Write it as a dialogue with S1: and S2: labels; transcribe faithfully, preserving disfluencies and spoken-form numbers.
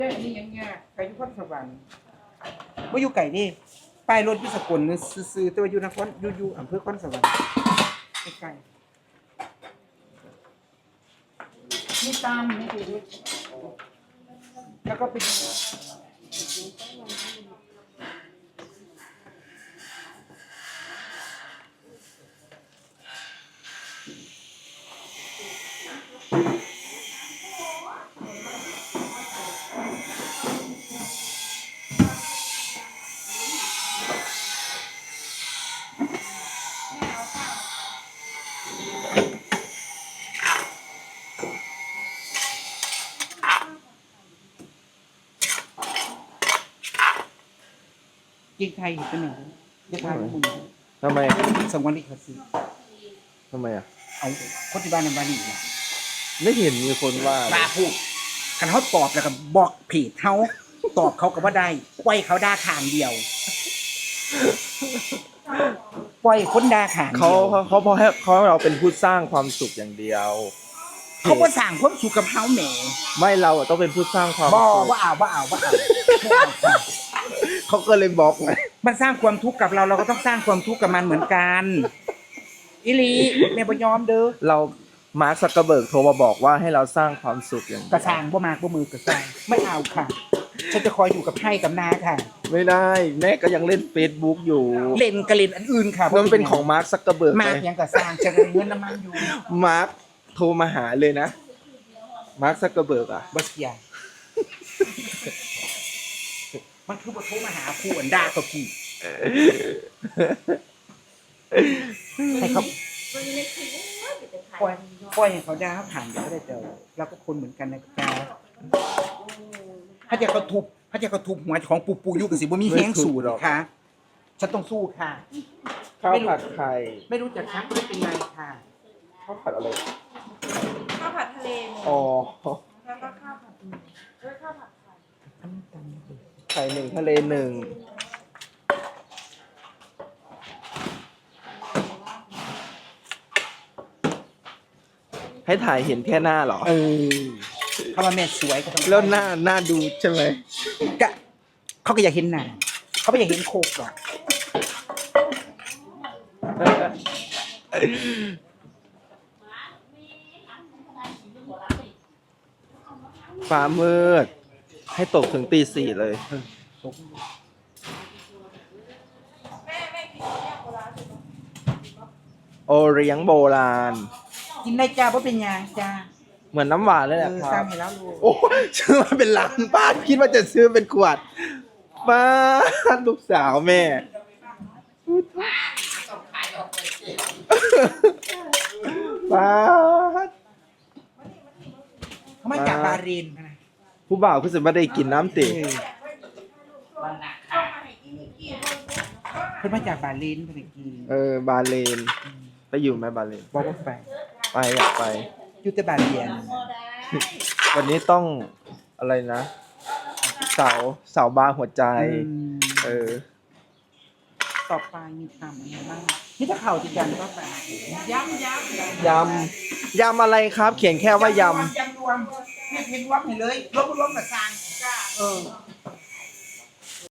S1: อันนี้ยังยากไก่ยุพนสวรรค์ว่าอยู่ไก่นี่ป้ายรถพิสกลนึซื้อๆแต่ว่าอยู่นครอยู่อยู่อำเภอคอนสวรรค์ใกล้ๆนี่ตามนี่คือแล้วก็เป็นกินไทยเป็นหนึ่งเรียกว่ามึง
S2: ทำไม
S1: สงวนลิขสิทธิ์
S2: ทำไมอ่ะ
S1: เอาคนที่บ้านในบ้านนี่เนี่ย
S2: ไม่เห็นมีคนว่าเลย
S1: บาพูดกันเขาตอบแล้วก็บอกเพจเขาตอบเขาก็ว่าได้ปล่อยเขาด่าขางเดียวปล่อยคนด่าขางเดี
S2: เขา
S1: ยว
S2: เขาเขาพอให้เขาให้เราเป็นผู้สร้างความสุขอย่างเดียว
S1: เขาก็สั่งความสุขกับเขาแหม
S2: ไม่เราอะต้องเป็นผู้สร้างความ
S1: บ่
S2: สุข
S1: ว่าเอาว่าเอาว่าเอาไม่เอาค่ะ
S2: เขาก็เลยบล็อกไง
S1: มันสร้างความทุกข์กับเราเราก็ต้องสร้างความทุกข์กับมันเหมือนกันอิลีแม่บ่ยอมเด้อ
S2: เรามาร์คซักเกอร์เบิร์กโทรมาบอกว่าให้เราสร้างความสุขอย่างเดี
S1: ก
S2: ย
S1: ระ
S2: ว
S1: สางบ่มากบ่มือกระสางไม่เอาค่ะฉันจะคอยอยู่กับไพ่กับนาค่ะ
S2: ไม่ได้แม่ก็ยังเล่น Facebook อยู่
S1: เล่นกระเล่นอันอื่นค่ะ
S2: มันเป็นของมาร์คซักเกอร์เบิร์ก
S1: มาก
S2: ไง
S1: ยังกระสางจะได้เงินน้ำมันอยู่
S2: มาร์คโทรมาหาเลยนะมาร์คซักเกอร์เบิร์กอ่ะ
S1: บ่เสียมันคือบ่โทรมาหาผู้อันด่าตัวพี่ให้เขาปล่อยปล่อยให้เขาด่าเขาผ่านเดี๋ยวก็ได้เจอเราก็คนเหมือนกันนะจ๊ะถ้าจะเขาทุบถ้าจะเขาทุบหัวของปูปูยุกสิบ่มีแห้งสู้หรอกค่ะฉันต้องสู้ค่ะ
S2: ข้าวผัดไข่
S1: ไม่รู้จักชักไม่เป็นไรค่ะ
S2: ข้าวผัดอะไร
S3: ข้าวผัดทะเลหมู
S2: อ๋อ
S3: แล้วก็ข้าวผัดหมูด้วยข้าวผัดไข่
S2: ไข่หนึ่งทะเลหนึ่งให้ถ่ายเห็นแค่หน้าเหรอ
S1: เออเขาว่าแม่สวยก็ต้อง
S2: แล้วหน้าหน้าดูใช่ไหม
S1: ก็เขาก็อยากเห็นหน้าเขาไม่อยากเห็นโคกหรอก
S2: ฟ้ามืด ให้ตกถึงตีสี่เลย
S3: แม่แม่กินเนี่ยโบราณสุด
S2: โอเลี้ยงโบราณ
S1: กินได้จ้าเพราะเป็นยาจ้า
S2: เหมือนน้ำหวานเลย
S1: เอ
S2: แหละ
S1: อ
S2: ค
S1: สร้า
S2: รั
S1: ง
S2: บ
S1: ให้แล้วลูก
S2: โอ้ซื้อมาเป็นล้านป้าคิดว่าจะซื้อเป็นขวดป้าลูกสาวแม่ป้า
S1: เขามาจากบาเรนนะ
S2: ผู้บ่าวคือสิไม่ได้กินน้ำติ
S1: เออเพิ่นมาจากบาเรนเพิ่นได้กิน
S2: เออบาเลน ไปอยู่ไหมบาเลน
S1: บอกว่าไป
S2: ไปอยากไป
S1: อยู่แต่บาเรียน
S2: วันนี้ต้องอะไรนะ เสาเสาบาร์หัวใจ
S1: อืม
S2: เออ
S1: ต่อไปมีทำอะไรบ้างนี่ถ้าเข่าจริงจังก็ไปย้ำย้ำ
S2: ยำ ยำอะไรครับ เขียนแค่ว่าย
S1: ยำรวมให้เพนรวมให้เลยลบรวมกับซางเออ